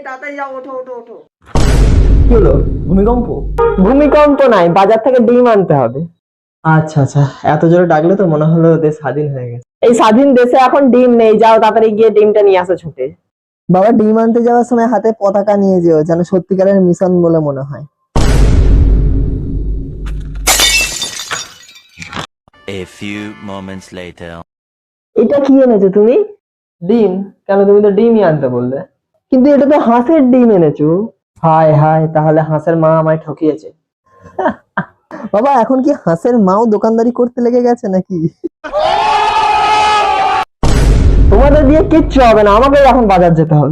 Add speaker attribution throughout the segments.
Speaker 1: তাড়াতাড়ি যাও, ওঠো ওঠো ওঠো।
Speaker 2: কি হলো, ভূমিকম্প? ভূমিকম্প নাই, বাজার থেকে ডিম আনতে হবে। আচ্ছা আচ্ছা, এত জোরে ডাকলে তো মনে হলো দেশ স্বাধীন হয়ে গেছে। এই স্বাধীন দেশে এখন ডিম নেই, যাও তাড়াতাড়ি গিয়ে ডিমটা নিয়ে আসো ছুটে। বাবা, ডিম আনতে যাওয়ার সময় হাতে পতাকা নিয়ে যেও, যেন সত্যিকারের মিশন বলে মনে হয়।
Speaker 3: A few moments later.
Speaker 2: এটা কি এনেছো তুমি? ডিম? কেন, তুমি তো ডিমই আনতে বললে। কিন্তু এটা তো হাঁসের ডিম এনেছো। হায় হায়, তাহলে হাঁসের মা আমায় ঠকিয়েছে। বাবা, এখন কি হাঁসের মাও দোকানদারি করতে লেগে গেছে নাকি? তোমাদের দিয়ে কিচ্ছু হবে না, আমাকে এখন বাজার যেতে হবে।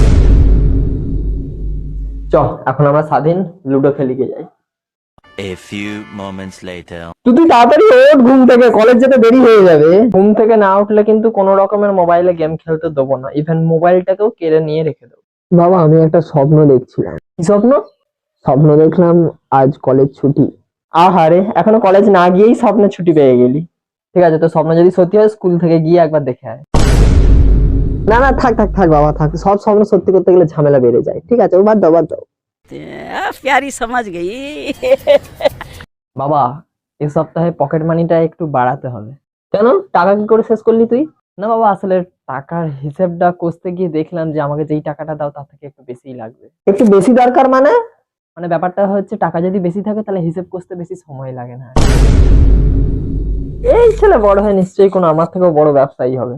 Speaker 2: চ, এখন আমরা স্বাধীন লুডো খেলিকে যাই।
Speaker 3: A few moments later.
Speaker 2: তুই তাড়াতাড়ি ওঠ ঘুম থেকে, কলেজ যেতে দেরি হয়ে যাবে। ঘুম থেকে না উঠলে কিন্তু কোনো রকমের মোবাইলে গেম খেলতে দেবো না, ইভেন মোবাইলটাকেও কেড়ে নিয়ে রেখে দেবো। বাবা, আমি একটা স্বপ্ন দেখছিলাম। কি স্বপ্ন? স্বপ্ন দেখলাম আজ কলেজ ছুটি। আহারে, এখনো কলেজ না গিয়েই স্বপ্নে ছুটি পেয়ে গেলি। ঠিক আছে, তো স্বপ্ন যদি সত্যি হয় স্কুল থেকে গিয়ে একবার দেখে আয়। না না, থাক থাক থাক বাবা, থাক। সব স্বপ্ন সত্যি করতে গেলে ঝামেলা বেড়ে যায়। ঠিক আছে, বাদ দাও বাদ দাও।
Speaker 1: प्यारी समझ गई।
Speaker 2: বাবা, এই সপ্তাহে পকেট মানিটা একটু বাড়াতে হবে। কেন, টাকা কি করে শেষ করলি তুই? না বাবা, আসলে টাকার হিসেবটা কষতে গিয়ে দেখলাম যে আমাকে যেই টাকাটা দাও তার থেকে একটু বেশিই লাগবে। একটু বেশি দরকার মানে? মানে ব্যাপারটা হচ্ছে, টাকা যদি বেশি থাকে তাহলে হিসেব কষতে বেশি সময় লাগে না। এই ছেলে বড় হয় নিশ্চয়ই কোনো আমার থেকেও বড় ব্যবসায়ী হবে।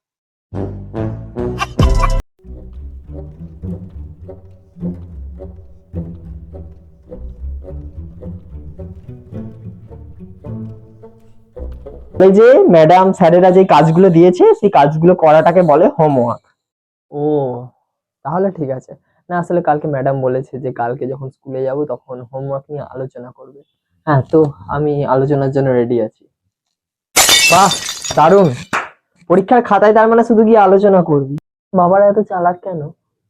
Speaker 2: এই যে ম্যাডাম স্যারেরা যে কাজগুলো দিয়েছে সেই কাজগুলো করাটাকে বলে হোমওয়ার্ক। ও, তাহলে ঠিক আছে। না, আসলে কালকে ম্যাডাম বলেছে যে কালকে যখন স্কুলে যাব তখন হোমওয়ার্ক নিয়ে আলোচনা করবে। হ্যাঁ, তো আমি আলোচনার জন্য রেডি আছি। বাহ, দারুণ। পরীক্ষার খাতায় তার মানে শুধু গিয়ে আলোচনা করবি? বাবারা এত চালাক কেন?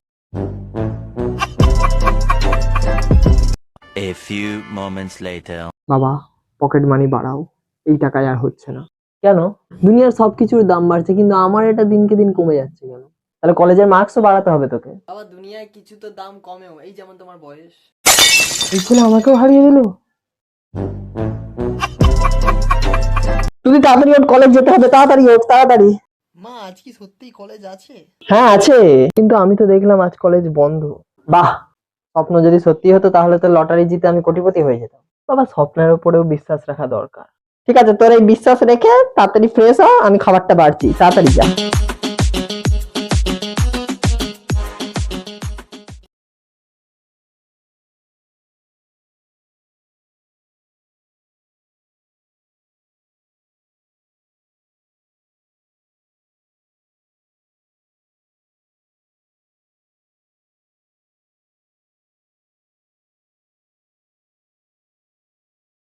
Speaker 3: A few moments later.
Speaker 2: বাবা, পকেট মানি বাড়াও, এই টাকায় আর হচ্ছে না। কেন? দুনিয়ার সবকিছুর দাম বাড়ছে কিন্তু আমার এটা দিনকে দিন কমে যাচ্ছে কেন? তাহলে কলেজের মার্কসও বাড়াতে হবে তোকে।
Speaker 1: বাবা, দুনিয়ায় কিছু তো দাম কমেও, এই যেমন তোমার বয়স।
Speaker 2: এই ছেলে আমাকেও হারিয়ে দিল। তুই তাড়াতাড়ি ওঠ, কলেজ যেতে হবে, তাড়াতাড়ি ওঠ তাড়াতাড়ি।
Speaker 1: মা, আজ কি সত্যিই কলেজ আছে?
Speaker 2: হ্যাঁ আছে, কিন্তু আমি তো দেখলাম আজ কলেজ বন্ধ। বাহ, স্বপ্ন যদি সত্যি হতো তাহলে তো লটারি জিতে আমি কোটিপতি হয়ে যেতাম। বাবা, স্বপ্নের উপরেও বিশ্বাস রাখা দরকার। ঠিক আছে, তোর এই বিশ্বাস রেখে তাড়াতাড়ি ফ্রেশ হ, আমি খাবারটা বাড়ছি, তাড়াতাড়ি যা।